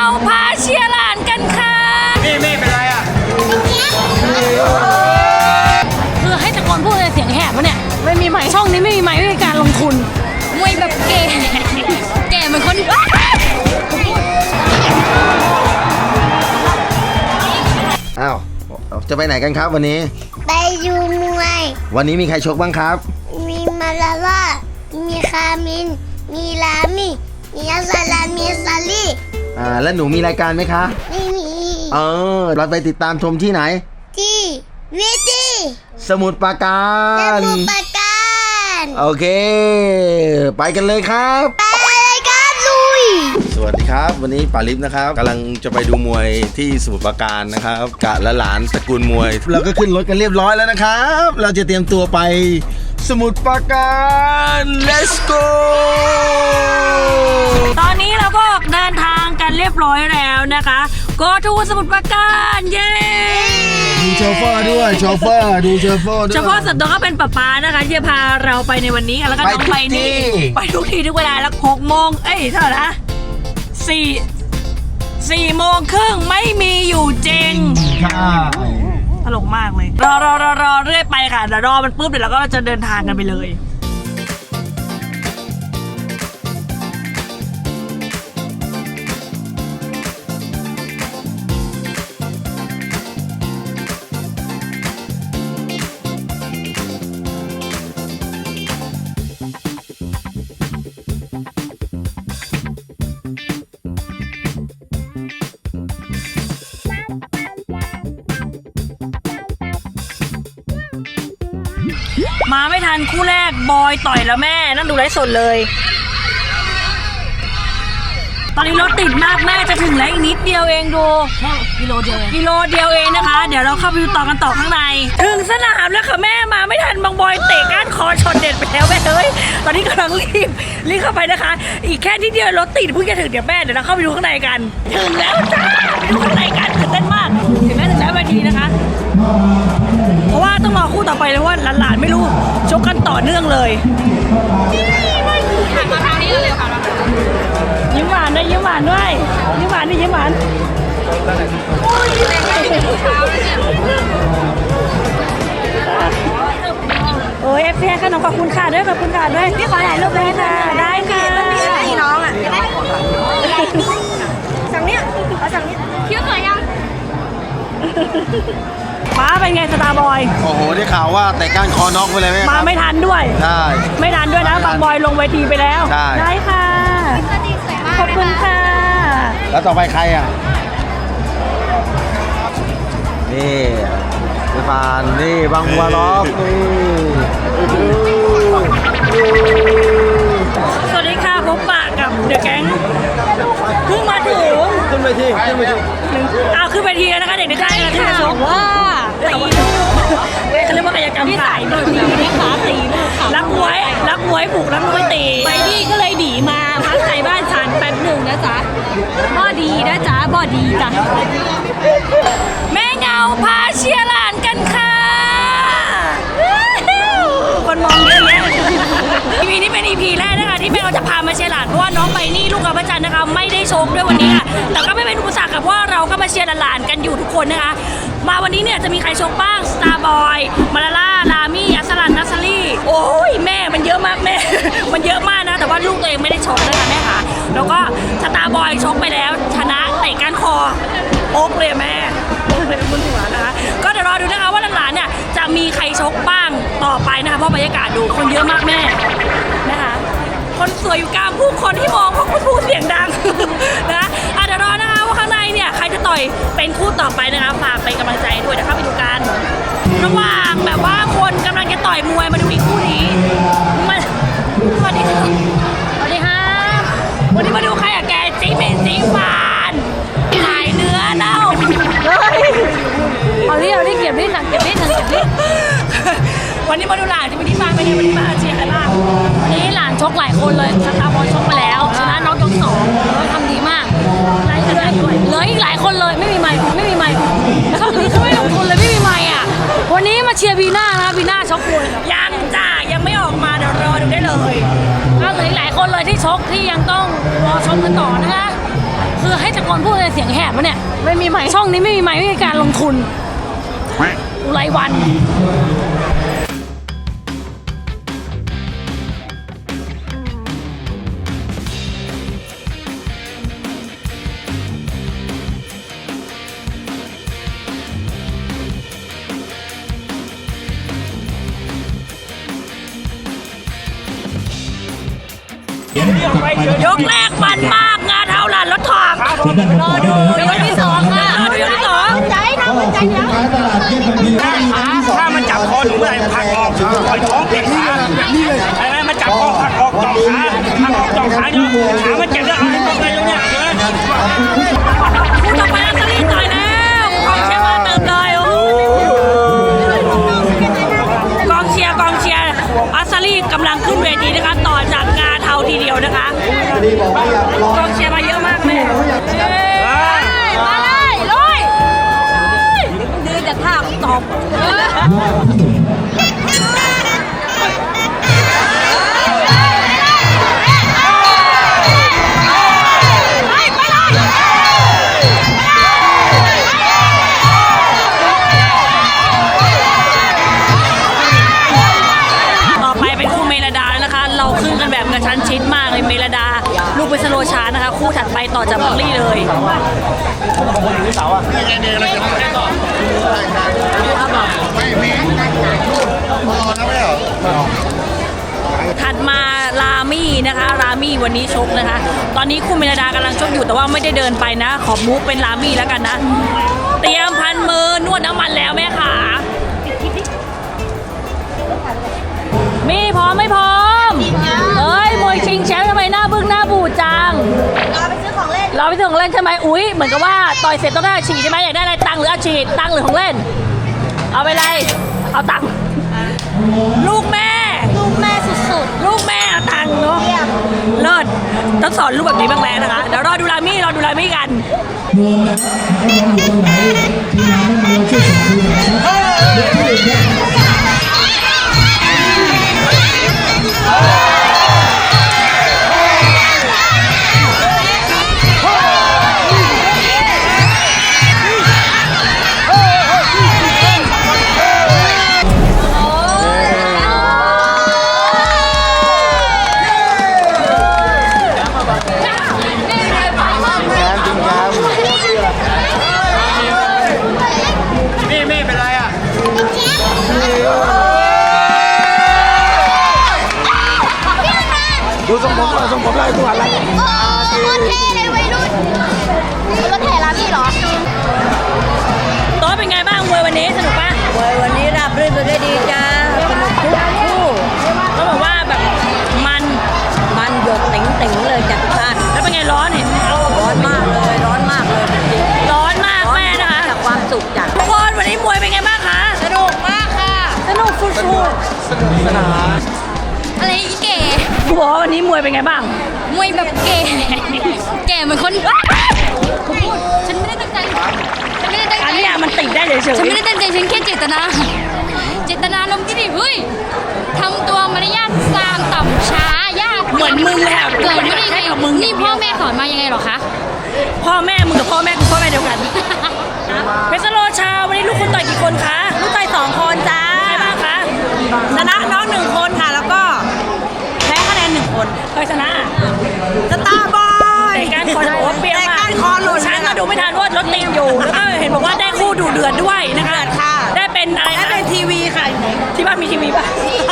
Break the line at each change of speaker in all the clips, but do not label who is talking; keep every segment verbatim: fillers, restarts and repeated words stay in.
พาเชียร์หลานกันค่ะ
นี่นี่เป็นไรอ่ะ
คือให้ตะโกนพูดในเสียงแหบวะเนี่ยไม่มีไมค์ช่องนี้ไม่มีไมค์ไม่มีการลงทุนมวยแบบเก๋เก๋เหมือนคน
อ้าวจะไปไหนกันครับวันนี้
ไปดูมวย
วันนี้มีใครชกบ้างครับ
มีมาลาล่ามีคามินมีลามิมีอัสลามีซาลี
อ่าแล้วหนูมีรายการไหมคะ
ไม่มี
เออเราไปติดตามชมที่ไหน
ที่วิธี
สมุทรปราการ
สมุทรปราการ
โอเคไปกันเลยครับ
ไปเลยครับลุย
สวัสดีครับวันนี้ป่าลิฟนะครับกำลังจะไปดูมวยที่สมุทรปราการนะครับกะและหลานตระกูลมวยเราก็ขึ้นรถกันเรียบร้อยแล้วนะครับเราจะเตรียมตัวไปสมุทรปราการ let's go
ตอนนี้เราก็เดินทางกันเรียบร้อยแล้วนะคะก็ทูสมุทรปราการเย้
ดูโชเฟอร์ด้วยโชเฟอร์ดูโชเฟอร์ด้วย
เฉพาะสัตว์ตัวก็เป็นป๊าป๊านะคะที่จะพาเราไปในวันนี้ค่ะแล้วก็น้องไปนี่ไปทุกทีทุกเวลาแล้วหกโมงเอ้ยเท่าไหร่นะสี่สี่โมงครึ่งไม่มีอยู่จริงตลกมากเลยรอรอรอรอเรื่อยไปค่ะเดี๋ยวรอมันปุ๊บเดี๋ยวเราก็จะเดินทางกันไปเลยมาไม่ทันคู่แรกบอยต่อยแล้วแม่นั่งดูไลฟ์สดเลยตอนนี้รถติดมากแม่จะถึงแล้วอีกนิดเดียวเองดูกิโลเดียวกิโลเดียวเองนะคะเดี๋ยวเราเข้าไปดูต่อกันต่อข้างในถึงสนามแล้วค่ะแม่มาไม่ทันบางบอยเตะก้านคอช็อตเด็ดไปแล้วแม่เอ้ยตอนนี้กำลังรีบรีบเข้าไปนะคะอีกแค่นิดเดียวรถติดเพิ่งจะถึงเดี๋ยวแม่เดี๋ยวเราเข้าไปดูข้างในกันถึงแล้วจ้าไปดูข้างในกันตื่นเต้นมากถึงแล้วถึงแล้ววันนี้นะคะเพราะว่าต้องรอคู่ต่อไปเลยว่าหลานๆไม่รู้ชกกันต่อเนื่องเลยผ่านมาทางนี้เร็วค่ะยิ้มหวานด้วยยิ้มหวานด้วยยิ้มหวานดิยิ้มหวานโอ้ยเอฟซีขนมขอบคุณค่ะด้วยขอบคุณค่ะด้วยพี่ขอถ่ายรูปเลยค่ะได้ค่ะพี่น้องอ่ะสั่งเนี้ยเอาสั่งเนี้ยคิ้วสวยยังป้าเป็นไงสตาร์บอย
โอ้โหได้ข่าวว่าแต่ก้านคอน็อกไปเลยไหม
มาไม่ทันด้วย
ใช่
ไม่ทันด้วยนะบางบอยลงเวทีไปแล้ว
ใช่
ได้ค่ะขอบคุณค่ะ
แล้วต่อไปใครอ่ะนี่สปานนี่บางบัวล็อกนี่
สวัสดีค่ะพบปะกับเดอะแก๊งเพิ่งมาถึง
ขึ้นไปที่ขึ้นไปที่
เอาขึ้นไปทีแล้วนะคะเด็กในค่ายที่จะชมว่าเขาเรียกว่ากายกรรมที่ใส่โดยมีนี่ขาตีรักมวยรักมวยผูกรักมวยตีไปดีก็เลยดีมาพักใจบ้านฉันแป๊บหนึ่งนะจ๊ะบ่ดีนะจ๊ะบ่ดีจ้ะแม่เงาพาเชียร์หลานกันค่ะคนมองเยอะแยะอีพีนี้เป็นอีพีแรกนะคะที่แม่เราจะพามาเชียร์หลานเพราะว่าน้องไปนี่ลูกกับพระจันทร์นะคะไม่ได้ชกด้วยวันนี้ค่ะแต่ก็ไม่เป็นอุปสรรคค่ะเพราะว่าเราก็มาเชียร์หลานกันอยู่ทุกคนนะคะมาวันนี้เนี่ยจะมีใครชกบ้างสตาร์บอยมาลาล่าลามี่อัสลันนัสลี่โอ้ยแม่มันเยอะมากแม่มันเยอะมากนะแต่ว่าลูกตัวเองไม่ได้ชกนะคะแม่ค่ะแล้วก็สตาร์บอยชกไปแล้วชนะเตะก้านคอโอ๊กเลยแม่โอ๊กเลยเป็นคนหัวนะคะก็เดี๋ยวรอดูนะคะว่าหลานๆเนี่ยจะมีใครชกบ้างต่อไปนะคะเพราะบรรยากาศดูคนเยอะมากแม่นะคะคนสวยอยู่กลางผู้คนที่มองเพราะพูดเสียงดังนะอ่ะเดี๋ยวรอนะคะว่าข้างในเนี่ยใครจะต่อยเป็นคู่ต่อไปนะคะฝากเป็นกำลังใจด้วยนะคะไปดูกันระหว่างแบบว่าคนกำลังจะต่อยมวยมาดูอีกคู่นี้มาสวัสดีค่ะสวัสดีค่ะวันนี้มาดูใครอะแกจีเมนจีฟานขายเนื้อเน่าเอาที่เอาที่เก็บที่หนังเก็บที่หนังเก็บที่วันนี้มาดูหลานจะไปที่บ้านไปเนี่ยวันนี้มาเชียร์ใครบ้างวันนี้หลานชกหลายคนเลยสตาร์บอลชกมาแล้วชนะน้องยกสองทำดีมากหลายคนเลยเหลืออีกหลายคนเลยไม่มีไมค์ไม่มีไมค์แล้วก็นี่เขาไม่ลงทุนเลยไม่มีไมค์อ่ะวันนี้มาเชียร์บีน่านะบีน่าชกมวยยังจ้ายังไม่ออกมาเดี๋ยวรอดูได้เลยก็เหลืออีกหลายคนเลยที่ชกที่ยังต้องรอชมกันต่อนะคะคือให้ตะโกนพูดในเสียงแหบวะเนี่ยไม่มีไมค์ช่องนี้ไม่มีไมค์ไม่มีการลงทุนรายวัน ยกแรกมันมากงานเท่าหลานรถถอกรอดูยกที่สองค่ะรอดูยกที่สองใจน้องใจเนี้ย
ถ้ามันจับคอหนูเมื่อไหร่ผลักออกปล่อยท้องเก็บขาไอ้แม่มันจับคอผลักออกจ่อขาผลักออกจ่อขาเนาะขามันเจ็บแล้วเอาให้ตรงเลยตรงเนี้ยเห็นไหม
คู่ต่อไปอัศรีต่อยแล้วกองเชียร์มาเติมเลยโอ้กองเชียร์กองเชียร์อัศรีกำลังขึ้นเวทีนะคะต่อจากงานเทาทีเดียวนะคะกองเชียร์มาเยอะมากเลยมาเลยเลยดื้อจะท่าตบกระชั้นชิดมากเลยเมลดาลูกเป็นสโลชาร์นะคะคู่ถัดไปต่อจากบังลี่เลยถัดมารามี่นะคะรามี่วันนี้ชกนะคะตอนนี้คู่เมลดากำลังชกอยู่แต่ว่าไม่ได้เดินไปนะขอมูฟเป็นรามี่แล้วกันนะเตรียมพันมือนวดน้ำมันแล้วแม่ขามีพร้อมไม่พร้อมเอ้ยมวยชิงแชมป์ทำไมหน้าบึ้งหน้าบูดจังรอไปซื้อของเล่นรอไปซื้อของเล่นใช่ไหมอุ้ยเหมือนกับว่าต่อยเสร็จต้องได้ฉีดใช่ไหมอยากได้อะไรตังค์หรืออาฉีดตังค์หรือของเล่นเอาไปเลยเอาตังค์ลูกแม่ลูกแม่สุดๆลูกแม่เอาตังค์เนาะเลิศต้องสอนลูกแบบนี้บ้างแล้วนะคะเดี๋ยวรอดูรามี่รอดูรามี่กันรวมนะอยู่ตรงไหนทีมงานไม่มาช่วยส่งทีมนะครับ
ดูทรงผมทรงผมอะไรตัวอะไร
โอ้โคตรเท่เลยวัยรุ่นรถเท่ร้านนี่เหรอ
โต๊ะเป็นไงบ้างมวยวันนี้สนุกปะ
มวยวันนี้ราบรื่นไปด้วยดีจ้าสนุกทุกคู่
เขาบอกว่าแบบมัน
มันหยดติ๋งติ๋งๆเลยจากท่าน
แล้วเป็นไงร้อนเห็นไหม
ร้อนมากเลยร้อนมากเลยจริง
ร้อนมาก
ๆร้อน
แม่นะคะ
จากความสุขจาก
ทุกคนวันนี้มวยเป็นไงบ้างคะ
สนุกมากค่ะ
สนุกสุด
อะไรอีเก๋
ๆกูบอกว่าวันนี้มวยเป็นไงบ้าง
มวยแบบเก๋เก๋เหมือนคนฉันไม่ได้ตั้งใจฉันไม่ได้ตั้ง
อัน
ใจ
เนี้ยมันติดได้เฉย
ฉันไม่ได้ตั้งใจฉันแค่เจตนาเจตนาลมณ์ที่ดีเฮ้ยทำตัวมารยาทซามต่ำช้ายาก
ๆเหมือนมึงเลยอะ
เกิดไม่ได้
ใช่
ไง
กับมึง
นี่พ่อแม่สอนมายังไงหรอคะ
พ่อแม่มึงกับพ่อแม่กูพ่อแม่เดียวกันเพชรโลชาวันนี้ลูกคุณต่อยกี่คนคะลูกต่อยสองคนจ้าใครบ้างคะ
ชนะน้องหนึ่งคนค่ะแล้วก็แพ้คะแนนหนึ่งคน
ใครชนะ
สตาร์บอย
แต่การคอจะบอกว่าเปรี้ยวมาก
แต่การคอหลุด
ฉันก็ดูไม่ทันว่ารถติดอยู่แล้วก็เห็นบอกว่าได้คู่ดูเดือดด้วยนะคะ
เดือดค่ะ
ได้เป็นอะไร
และ
นะ
เป็นทีวีค่ะ
ที่บ้านมีทีวีป่ะ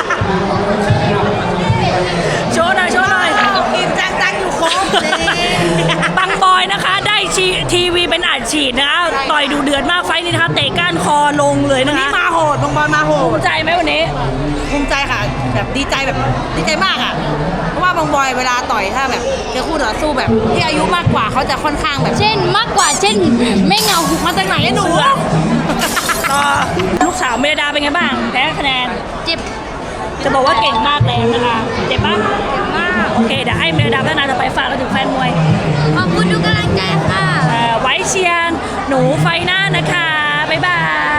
โชว์หน่อยโชว์หน่อย
กินจังจังอยู่ครบนี่
ปังบอยนะคะได้ชีทีวีเป็นอัดฉีดนะคะต่อยดูเดือดมากไฟท์นี้นะคะเตะก้านคอลงเลย
วัน
นะ
นี้
คะ
มาโหดบงบอลมาโห
ภู
ด
มิใจไหมวันนี้
ภูมิใจค่ะแบบดีใจแบบดีใจมากอ่ะเพราะว่าบางบอยเวลาต่อยถ้าแบบเจอคู่ต่อสู้แบบที่อายุมากกว่าเขาจะค่อนข้างแบบ
เช่นมากกว่าเช่นไม่เงามาจากไหนอะหนู
ก็ลูกสาวเมดาเป็นไงบ้างแพ้คะแนน
เจ็บ
จะบอกว่าเก่งมากแล้วนะคะเจ็บปะเจ็บมากโอเคเดี๋ยวให้เมดาพัฒนาต่อไปฝากเราถึงแฟนมวย
ขอบคุณทุกกำลังใจค่ะ
เอ่อไว้เชียร์หนูไฟหน้านะคะบ๊ายบาย